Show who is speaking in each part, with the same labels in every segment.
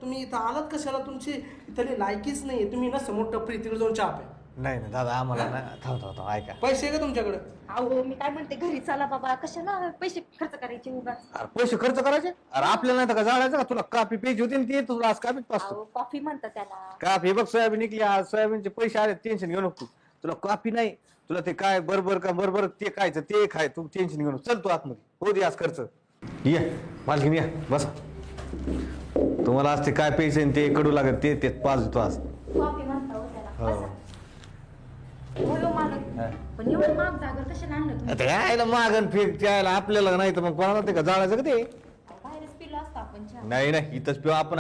Speaker 1: तुम्ही इथं आलात कशाला? तुमची इथली लायकीच नाही. तुम्ही ना समोर टपरी तिकडे जाऊन चहा प्या.
Speaker 2: नाही नाही दादा आम्हाला ना थांब ऐका.
Speaker 1: पैसे आहे का तुमच्याकडे?
Speaker 3: अहो मी काय म्हणते, घरी चला बाबा, कशाला पैसे खर्च करायचे उगाच.
Speaker 2: अरे पैसे खर्च करायचे? अरे आपल्याला नाही तर का जाळायचं का? तुला काफी प्यायची होती ना ती, तुला आज काफीच पाचतो.
Speaker 3: अहो कॉफी म्हणतात त्याला.
Speaker 2: काफी बघ सोयाबीन निघली आज, सोयाबीनचे पैसे आले, टेन्शन घेऊ नको. तुला कॉफी नाही, तुला ते काय बरोबर ते खायचं ते खाय, तू टेन्शन घेऊ नको. चल तू आतमध्ये, हो दे आज खर्च. या मालकीन या बस. तुम्हाला आज ते काय पैसे ते कडू लागत ते पाच देतो आज.
Speaker 3: कॉफी म्हणता हो त्याला.
Speaker 2: हो.
Speaker 3: बसा. हो मालक, पण एवढं महाग जागर कशाला आणलं तुम्ही?
Speaker 2: आता यायला मागण फेक त्याला आपल्याला नाही तर मग कोणाला ते का जाळायचं का ते?
Speaker 3: बाहेरच पिलो असतो आपण चहा.
Speaker 2: नाही इथंच पिऊ आपण.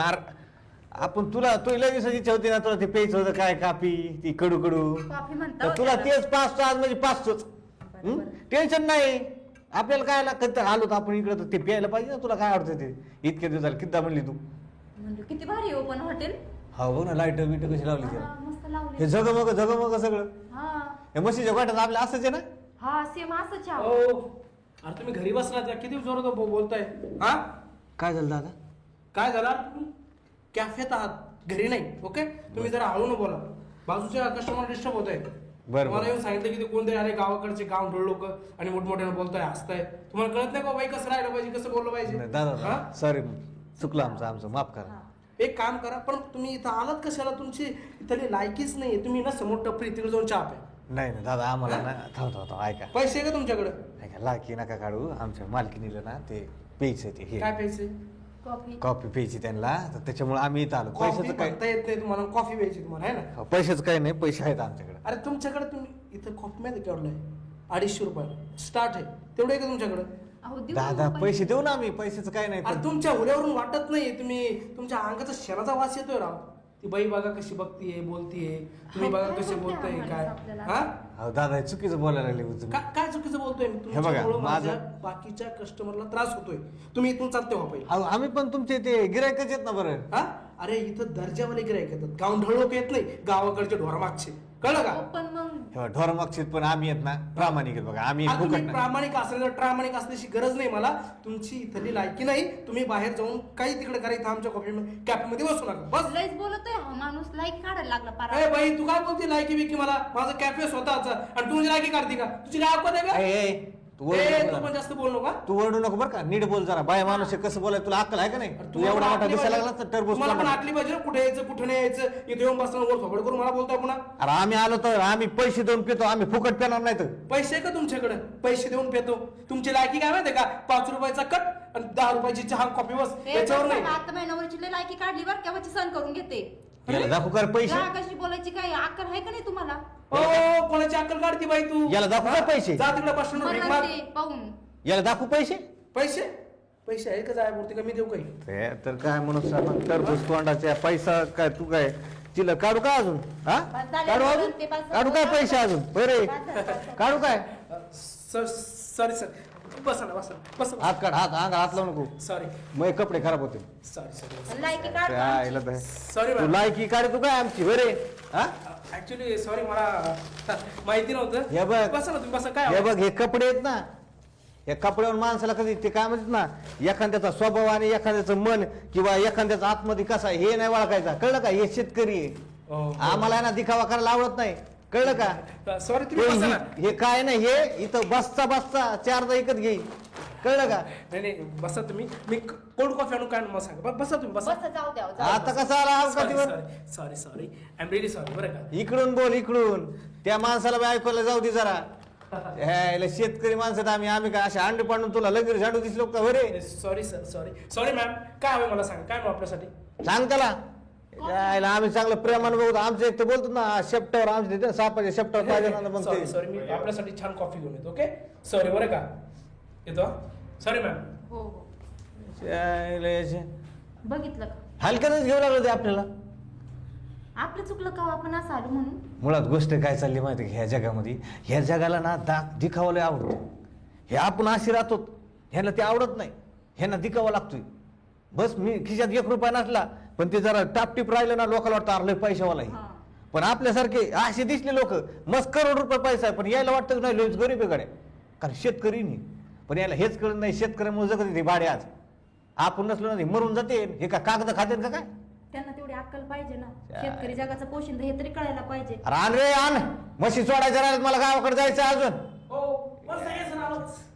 Speaker 2: आपण तुला लगेच इच्छा होती ना, तुला ते प्यायचं होतं काय काफी ती कडू
Speaker 3: कॉफी म्हणता
Speaker 2: तर
Speaker 3: हो
Speaker 2: तुला
Speaker 3: त्याला.
Speaker 2: तेच पाचतो आज म्हणजे पाचतोच.
Speaker 3: बरं.
Speaker 2: टेन्शन नाही आपल्याला. काय कधी आलो तर आपण इकडे ते प्यायला पाहिजे ना. तुला काय आवडतं ते? इतके दिवस झाले किती म्हणली तू?
Speaker 3: म्हणजे किती भारी हो पण हॉटेल.
Speaker 2: हा बघ ना, लाईट बीट कशी लावली त्याला.
Speaker 3: हा, मस्त लावले.
Speaker 2: हे जगमग सगळं.
Speaker 3: हा
Speaker 2: हे म्हशीच्या गोठ्यात आपल्या असंच आहे ना.
Speaker 3: हा सेम असं चहा.
Speaker 1: हो. अरे तुम्ही घरी बसला त्या किती जोरात बोलताय? हा
Speaker 2: काय झालं दादा?
Speaker 1: काय झाला? तुम्ही कॅफेत आहात, घरी नाही. ओके, तुम्ही जरा हळून बोला. बाजूच्या कस्टमर डिस्टर्ब होत आहे.
Speaker 2: बरं.
Speaker 1: मला येऊन सांगितलं की ते कोणतरी आले गावाकडचे गावढोळ लोक आणि मोठमोठ्यानं बोलताय, हसताय. तुम्हाला कळत नाही का बाई कसं राहिलं पाहिजे, कसं बोललं पाहिजे?
Speaker 2: नाही, दादा सॉरी, चुकलं आमचं माफ करा.
Speaker 1: एक काम करा, पण तुम्ही इथं आलात कशाला? तुमची इथली लायकीच नाही. तुम्ही ना समोर टपरी तिकडे जाऊन चहा प्या.
Speaker 2: नाही दादा आम्हाला ना थांब ऐका.
Speaker 1: पैसे आहे का तुमच्याकडे?
Speaker 2: ऐका लाकी नका काढू. आमच्या मालकीनीला ना ते प्यायचं ते हे
Speaker 1: काय पैसे?
Speaker 3: कॉफी.
Speaker 2: कॉफी प्यायची त्यांना, तर त्याच्यामुळे आम्ही इथं आलो.
Speaker 1: कॉफी
Speaker 2: पैशाचं काय?
Speaker 1: म्हणता येत नाही तुम्हाला, कॉफी प्यायची तुम्हाला, आहे ना?
Speaker 2: पैशाचं काय नाही, पैसे आहेत आमच्याकडे.
Speaker 1: अरे तुमच्याकडे तुम्ही इथं कॉफी माहिती केवढलं आहे? 250 रुपये स्टार्ट आहे. तेवढं आहे का तुमच्याकडे?
Speaker 3: अहो देऊ
Speaker 2: दादा
Speaker 3: ना
Speaker 2: पैसे देऊ ना आम्ही, पैशाचं काय नाही.
Speaker 1: अरे तुमच्या हुल्यावरून वाटत नाही. तुम्ही तुमच्या अंगाचा शेणाचा वास येतोय राव. ती बाई बघा कशी बघतीये, बोलतीये. तुम्ही
Speaker 3: अहो,
Speaker 1: बघा
Speaker 3: काय
Speaker 1: कसे
Speaker 3: बोलताय
Speaker 1: बोलताय
Speaker 3: आम्हाला
Speaker 1: काय?
Speaker 3: आपल्याला?
Speaker 1: हा?
Speaker 2: अहो दादा हे चुकीचं बोलायला लागले तुम्ही.
Speaker 1: काय चुकीचं बोलतोय मी?
Speaker 2: बघा,
Speaker 1: तुमच्यामुळं
Speaker 2: माझं-
Speaker 1: माझ्या बाकीच्या कस्टमरला त्रास होतोय. तुम्ही इथून चालते व्हा पहिले.
Speaker 2: अहो आम्ही पण तुमचे ते गिरायकच आहेत ना बरं.
Speaker 1: हा? अरे इथं दर्जावाले गिरायक येतात, गावढळ लोक येत नाही, गावाकडचे ढोरमागचे. कळलं का?
Speaker 3: हो, पण मग
Speaker 2: ढोरमागशीत पण आम्ही आहेत ना, प्रामाणिक आहेत बघा. आम्ही
Speaker 1: आता
Speaker 2: फुकट
Speaker 1: तुम्ही
Speaker 2: नाही.
Speaker 1: प्रामाणिक असेल तर प्रामाणिक असण्याची गरज नाही मला. तुमची इथली लायकी नाही. तुम्ही बाहेर जाऊन काही तिकडे करा, इथं आमच्या कॉफी कॅफेमध्ये बसू नका. बस.
Speaker 3: लयच बोलतोय हा माणूस, लाईक काढायला लागला
Speaker 1: ए
Speaker 3: पारा.
Speaker 1: बाई, तू काय बोलते लायकी बिकी? मला माझं कॅफे स्वतःच आणि तू लायकी काढते का? तुझी काय अवकात आहे का?
Speaker 2: तू
Speaker 1: ए,
Speaker 2: ओरडू
Speaker 1: तू
Speaker 2: नको
Speaker 1: पण जास्त बोल नका.
Speaker 2: तू ओरडू नको बरं का. नीट बोल जरा. बाय माणूस आहे, कसं बोलाय तुला अक्कल आहे का नाही? तू एवढा मोठा दिसायला लागला तर टरबूज
Speaker 1: मला पण
Speaker 2: तोंडात.
Speaker 1: आटली पाहिजे ना, कुठे यायचं कुठे नाही यायचं. इथे येऊन बसताना वर थोबड करून मला बोलतोय पुन्हा.
Speaker 2: अरे आम्ही आलो तर आम्ही पैसे देऊन पितो, आम्ही फुकट पेणार नाही तर.
Speaker 1: पैसे आहे का तुमच्याकडे? पैसे देऊन पेतो. तुमची लायकी काय माहितीये का? 5 रुपयाचा कट आणि 10 रुपयाची चहा कॉफी, बस. याच्यावर नाही.
Speaker 3: आता महिन्यावरची लय लायकी काढली बरं, केव्हाची सण करून घेते.
Speaker 2: याला दाखवू कर पैसे.
Speaker 3: जा कशी बोलायची, काय अक्कल आहे का नाही तुम्हाला?
Speaker 1: ओ, कोणाची अक्कल काढती बाई तू?
Speaker 2: याला दाखवू का पैसे?
Speaker 1: जा तिकडे बस स्टँडवर भीक
Speaker 3: मला
Speaker 1: माग.
Speaker 3: ते पाहून
Speaker 2: याला दाखवू पैसे.
Speaker 1: पैसे पैसे आहे का? जायपुरती का मी देऊ काही?
Speaker 2: ते तर काय म्हणून टरबूज तोंडाच्या पैसा काय तू काय चिल्लर काढू का अजून? हा
Speaker 3: बस झालं,
Speaker 2: काढू अजून?
Speaker 3: ते बस-
Speaker 2: काढू काय पैसे अजून? बरे काढू काय?
Speaker 1: सॉरी सर, बसा ना, बसा बसा.
Speaker 2: हात काढ, हात लावू नको.
Speaker 1: सॉरी
Speaker 2: मग कपडे खराब होते.
Speaker 1: सॉरी
Speaker 3: लायकी
Speaker 2: काय
Speaker 3: काढ.
Speaker 2: आईला
Speaker 1: सॉरी
Speaker 2: तू
Speaker 1: मॅम.
Speaker 2: लायकी काढ तू काय आमची बरे. हा
Speaker 1: ऍक्च्युली सॉरी, मला माहिती नव्हतं.
Speaker 2: हे बघ.
Speaker 1: बसा ना तुम्ही, बसा. काय
Speaker 2: हे बघ हे कपडे आहेत ना, या कपड्यावर माणसाला कधी ते काय म्हणतात ना, एखाद्याचा स्वभाव आणि एखाद्याचं मन किंवा एखाद्याचा आतमध्ये कसा आहे हे नाही ओळखायचा. कळलं का? हे शेतकरी आहे.
Speaker 1: हो.
Speaker 2: आम्हाला आहे ना दिखावा करायला आवडत नाही. कळलं का?
Speaker 1: सॉरी, तुम्ही बसा ना.
Speaker 2: हे काय नाही, हे इथं बसता 4दा एकच घेईल. कळलं का?
Speaker 1: नाही नाही, बसा तुम्ही. मी कोल्ड कॉफी आणू काय मला सांगा. बसा तुम्ही, बसा.
Speaker 3: बस जाऊ द्या
Speaker 2: आता कसा आला अवकाशीवर?
Speaker 1: Sorry sorry, I am really sorry बरं का.
Speaker 2: इकडून बोल, इकडून. त्या माणसाला बी ऐकायला जाऊ दे जरा. ह्याला शेतकरी माणसात आम्ही काय असे अंडे पाडून तुला लगेच झाडू दिसलो का बरे?
Speaker 1: Sorry sir, sorry ma'am. काय हवं मला सांगा, काय हवं आपल्यासाठी?
Speaker 2: सांग त्याला. यायला आम्ही चांगलं प्रेमानं बघतो. आमचं एक ते बोलतो ना शेपटावर, आमच्या तिथे सापाच्या शेपटावर पाहिजे ना मग
Speaker 1: सॉरी
Speaker 2: ते.
Speaker 1: सॉरी, मी आपल्यासाठी छान कॉफी घेऊन येतो. ओके, सॉरी बरं का. येतो. Sorry ma'am.
Speaker 3: हो हो
Speaker 2: यायला याचे.
Speaker 3: बघितलं का?
Speaker 2: हलक्यातच घेऊ लागलं ते आपल्याला.
Speaker 3: आपलं चुकलं का हो, आपण असं आलो म्हणून?
Speaker 2: मुळात गोष्ट काय चालली माहिती का? ह्या जगामध्ये, ह्या जगाला ना दिखावं लय आवडतं. हे आपण अशी राहतो, ह्याला ते आवडत नाही. ह्यांना दिखावा लागतोय. बस मी खिशात 1 रुपया नसला पण ते जरा टापटीप राहिलं ना, लोकांना वाटतं अरे लय पैशावाला आहे.
Speaker 3: हा.
Speaker 2: पण आपल्यासारखे असे दिसले लोक, मस्त करोड रुपये पैसा आहे पण यायला वाटतं नाही लोक गरीब आहे गड्या. कारण शेतकरी नाही. पण याला हेच कळत नाही, शेतकऱ्यामुळे जगत ते भाडे आज. आपण नसलो ना मरून जाते. हे का कागद खाते का काय?
Speaker 3: तरी अक्कल पाहिजे ना. शेतकरी जगाचं पोशिंदा हे तरी कळायला पाहिजे.
Speaker 2: अरे आण रे आण, म्हशी सोडायच्या राहिल्यात, मला गावाकडे जायचं अजून.
Speaker 1: हो बस आहे सर आलोच.